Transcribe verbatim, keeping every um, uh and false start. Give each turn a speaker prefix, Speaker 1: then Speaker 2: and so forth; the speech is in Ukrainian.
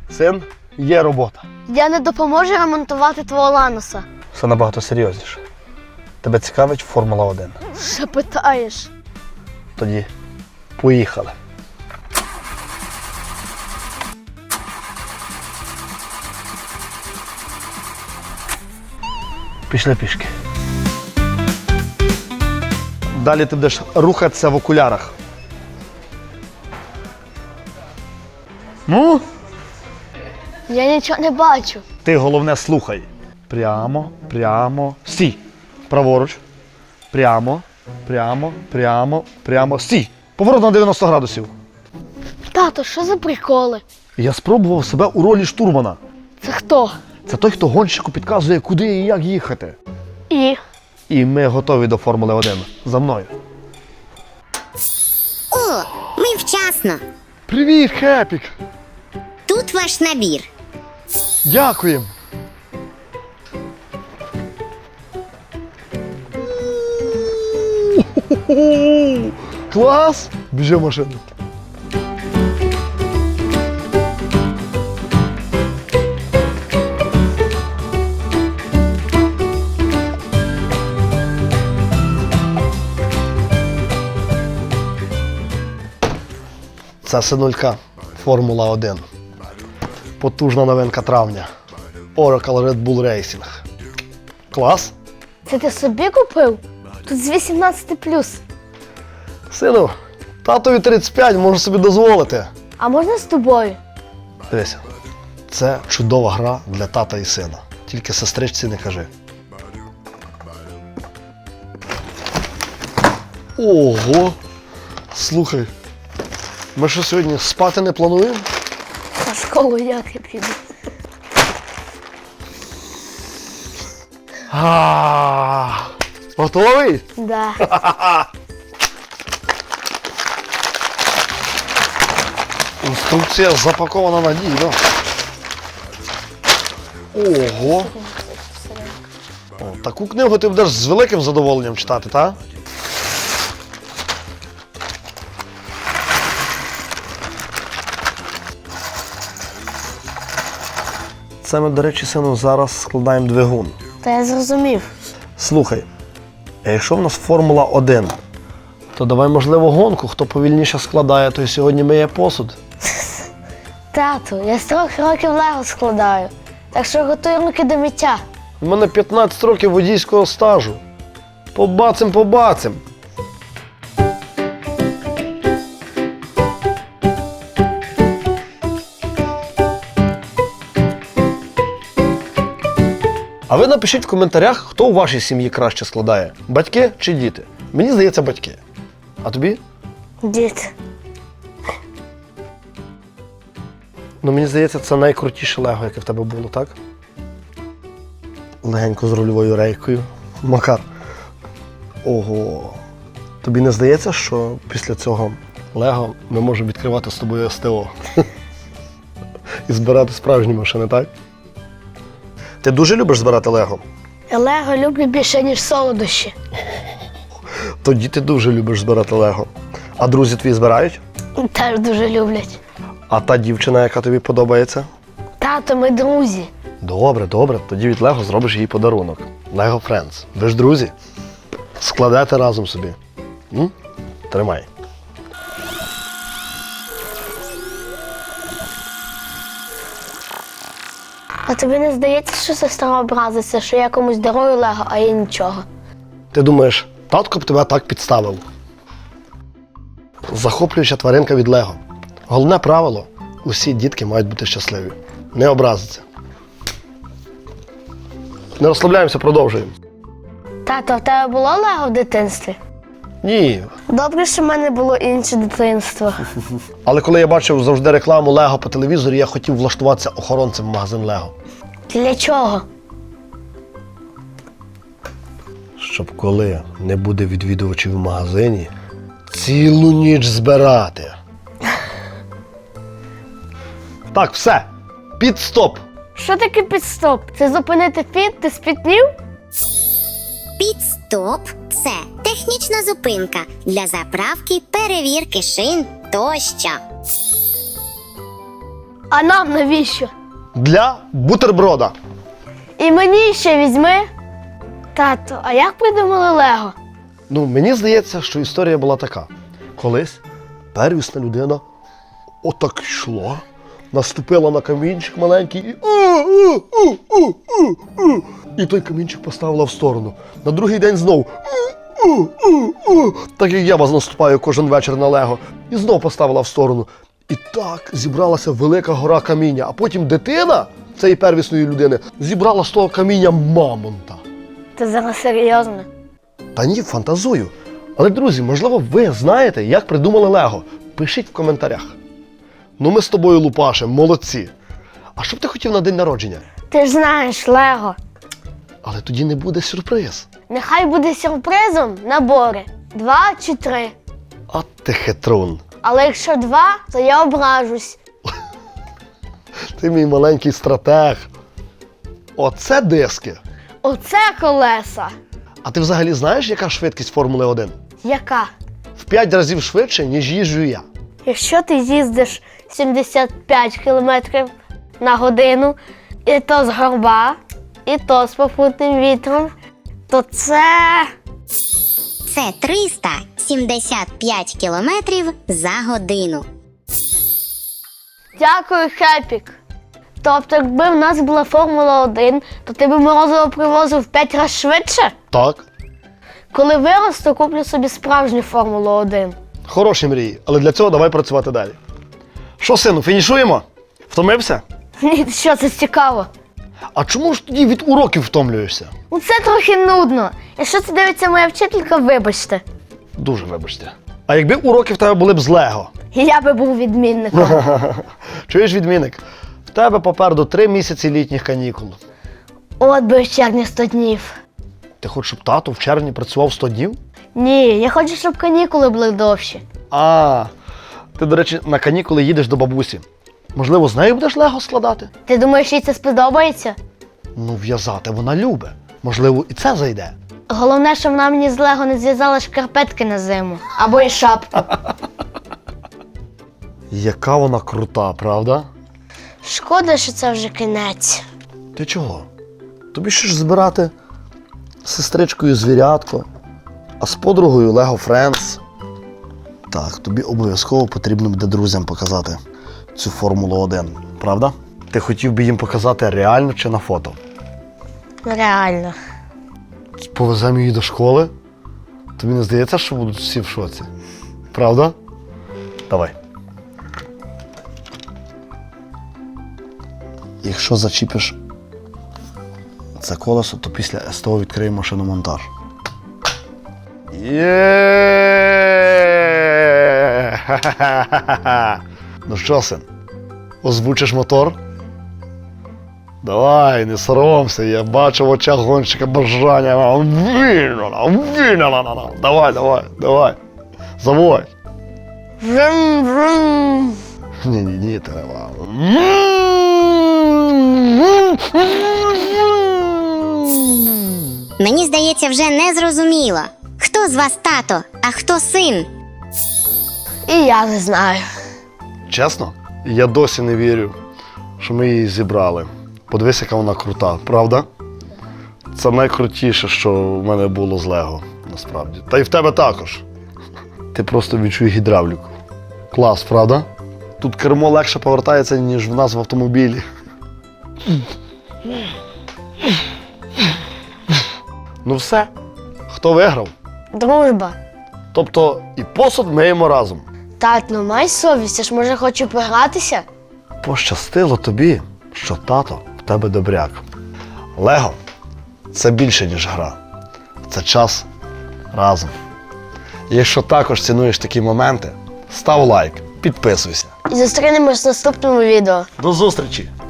Speaker 1: Син, є робота.
Speaker 2: Я не допоможу ремонтувати твого Ланоса.
Speaker 1: Все набагато серйозніше. Тебе цікавить Формула один?
Speaker 2: Що питаєш?
Speaker 1: Тоді поїхали. Пішли пішки. Далі ти будеш рухатися в окулярах. Ну?
Speaker 2: Я нічого не бачу.
Speaker 1: Ти головне слухай. Прямо, прямо, стій. Праворуч. Прямо, прямо, прямо, прямо, стій. Поворот на дев'яносто градусів.
Speaker 2: Тато, що за приколи?
Speaker 1: Я спробував себе у ролі штурмана.
Speaker 2: Це хто?
Speaker 1: Це той, хто гонщику підказує, куди і як їхати.
Speaker 2: І?
Speaker 1: І ми готові до Формули один. За мною.
Speaker 3: О, ми вчасно.
Speaker 1: Привіт, Хепік!
Speaker 3: Тут ваш набір.
Speaker 1: Дякуємо! Клас! Біжи в машину. Це синулька Формула один. Потужна новинка травня. Oracle Red Bull Racing. Клас?
Speaker 2: Це ти собі купив? Тут з вісімнадцять плюс.
Speaker 1: Сину, татові тридцять п'ять, можу собі дозволити.
Speaker 2: А можна з тобою?
Speaker 1: Дивися, це чудова гра для тата і сина. Тільки сестричці не кажи. Ого! Слухай, ми що сьогодні спати не плануємо?
Speaker 2: На школу як я піду?
Speaker 1: А, готовий?
Speaker 2: Да.
Speaker 1: Інструкція запакована надійно. Ого! О, таку книгу ти будеш з великим задоволенням читати, так? Це ми, до речі, сину, зараз складаємо двигун.
Speaker 2: Та я зрозумів.
Speaker 1: Слухай, а якщо в нас Формула один, то давай, можливо, гонку, хто повільніше складає, той сьогодні миє посуд.
Speaker 2: Тату, я з трьох років лего складаю. Так що готуй руки до миття.
Speaker 1: У мене п'ятнадцять років водійського стажу. Побацим, побацим. А ви напишіть в коментарях, хто у вашій сім'ї краще складає. Батьки чи діти? Мені здається, батьки. А тобі?
Speaker 2: Дід.
Speaker 1: Ну, мені здається, це найкрутіше лего, яке в тебе було, так? Легенько з рульовою рейкою. Макар. Ого. Тобі не здається, що після цього лего ми можемо відкривати з тобою СТО? І збирати справжні машини, так? Ти дуже любиш збирати лего?
Speaker 2: Я лего люблю більше, ніж солодощі.
Speaker 1: Тоді ти дуже любиш збирати лего. А друзі твої збирають?
Speaker 2: Теж дуже люблять.
Speaker 1: А та дівчина, яка тобі подобається?
Speaker 2: Тато, ми друзі.
Speaker 1: Добре, добре. Тоді від Лего зробиш їй подарунок. Lego Friends. Ви ж друзі. Складете разом собі. М? Тримай.
Speaker 2: А тобі не здається, що сестра образиться, що я комусь дарую лего, а я нічого?
Speaker 1: Ти думаєш, татко б тебе так підставив? Захоплююча тваринка від Лего. Головне правило – усі дітки мають бути щасливі. Не образиться. Не розслабляємося, продовжуємо.
Speaker 2: Тато, в тебе було лего в дитинстві?
Speaker 1: Ні.
Speaker 2: Добре, що в мене було інше дитинство.
Speaker 1: Але коли я бачив завжди рекламу Лего по телевізорі, я хотів влаштуватися охоронцем в магазин Лего.
Speaker 2: Для чого?
Speaker 1: Щоб коли не буде відвідувачів в магазині, цілу ніч збирати. Так, все. Підстоп.
Speaker 2: Що таке підстоп? Це зупинити фіт? Ти спітнів?
Speaker 3: Підстоп – це технічна зупинка для заправки, перевірки шин тощо.
Speaker 2: А нам навіщо?
Speaker 1: Для бутерброда.
Speaker 2: І мені ще візьми. Тато, а як придумали Лего?
Speaker 1: Ну, мені здається, що історія була така. Колись первісна людина отак йшла, наступила на камінчик маленький і у-у-у-у-у-у. І той камінчик поставила в сторону. На другий день знов у-у-у-у. Так як я вас наступаю кожен вечір на Лего. І знов поставила в сторону. І так зібралася велика гора каміння. А потім дитина цієї первісної людини зібрала з того каміння мамонта.
Speaker 2: Ти зараз серйозно?
Speaker 1: Та ні, фантазую. Але, друзі, можливо, ви знаєте, як придумали Лего? Пишіть в коментарях. Ну ми з тобою, Лупаше, молодці. А що б ти хотів на день народження?
Speaker 2: Ти ж знаєш, Лего.
Speaker 1: Але тоді не буде сюрприз.
Speaker 2: Нехай буде сюрпризом набори. Два чи три.
Speaker 1: А ти хитрун.
Speaker 2: Але якщо два, то я ображусь.
Speaker 1: Ти мій маленький стратег. Оце диски.
Speaker 2: Оце колеса.
Speaker 1: А ти взагалі знаєш, яка швидкість Формули один?
Speaker 2: Яка?
Speaker 1: В п'ять разів швидше, ніж їжджу я.
Speaker 2: Якщо ти їздиш сімдесят п'ять кілометрів на годину, і то з горба, і то з попутним вітром, то це...
Speaker 3: Це триста сімдесят п'ять кілометрів за годину.
Speaker 2: Дякую, Хепік. Тобто, якби в нас була Формула один, то ти б морозиво привозив в п'ять разів швидше?
Speaker 1: Так.
Speaker 2: Коли виросту, куплю собі справжню Формулу один.
Speaker 1: Хороші мрії, але для цього давай працювати далі. Що, сину, фінішуємо? Втомився?
Speaker 2: Ні, що це цікаво?
Speaker 1: А чому ж тоді від уроків втомлюєшся?
Speaker 2: Ну це трохи нудно. Якщо це дивиться моя вчителька, вибачте.
Speaker 1: Дуже вибачте. А якби уроки в тебе були б з Лего?
Speaker 2: Я би був відмінником.
Speaker 1: Чуєш, відмінник? В тебе попереду три місяці літніх канікул.
Speaker 2: От би в червні сто днів.
Speaker 1: Ти хочеш, щоб тато в червні працював сто днів?
Speaker 2: Ні, я хочу, щоб канікули були довші.
Speaker 1: А, ти, до речі, на канікули їдеш до бабусі. Можливо, з нею будеш Лего складати?
Speaker 2: Ти думаєш, їй це сподобається?
Speaker 1: Ну, в'язати вона любить. Можливо, і це зайде.
Speaker 2: Головне, щоб вона мені з Лего не зв'язала шкарпетки на зиму. Або і шапку.
Speaker 1: Яка вона крута, правда?
Speaker 2: Шкода, що це вже кінець.
Speaker 1: Ти чого? Тобі ще ж збирати з сестричкою звірятко, а з подругою Lego Friends. Так, тобі обов'язково потрібно буде друзям показати цю Формулу один, правда? Ти хотів би їм показати реально чи на фото?
Speaker 2: Реально.
Speaker 1: Повеземо її до школи? Тобі не здається, що будуть всі в шоці? Правда? Давай. Якщо зачіпиш це колесо, то після СТО відкриємо шиномонтаж. Є! Ха-ха-ха-ха! Ну що, син, озвучиш мотор? Давай, не соромся, я бачу в очах гонщика бажання. Давай, давай, давай. Заводь.
Speaker 2: Врум-врум.
Speaker 1: Ні-ні-ні, треба.
Speaker 3: Мені здається, вже не зрозуміло, хто з вас тато, а хто син.
Speaker 2: І я не знаю.
Speaker 1: Чесно, я досі не вірю, що ми її зібрали. Подивись, яка вона крута, правда? Це найкрутіше, що в мене було з Лего, насправді. Та й в тебе також. Ти просто відчуй гідравліку. Клас, правда? Тут кермо легше повертається, ніж в нас в автомобілі. Ну все, хто виграв?
Speaker 2: Дружба.
Speaker 1: Тобто і посуд миємо разом.
Speaker 2: Тат, ну май совість, я ж може хочу погратися?
Speaker 1: Пощастило тобі, що тато в тебе добряк. Лего – це більше, ніж гра. Це час разом. І якщо також цінуєш такі моменти, став лайк, підписуйся.
Speaker 2: І зустрінемось в наступному відео.
Speaker 1: До зустрічі!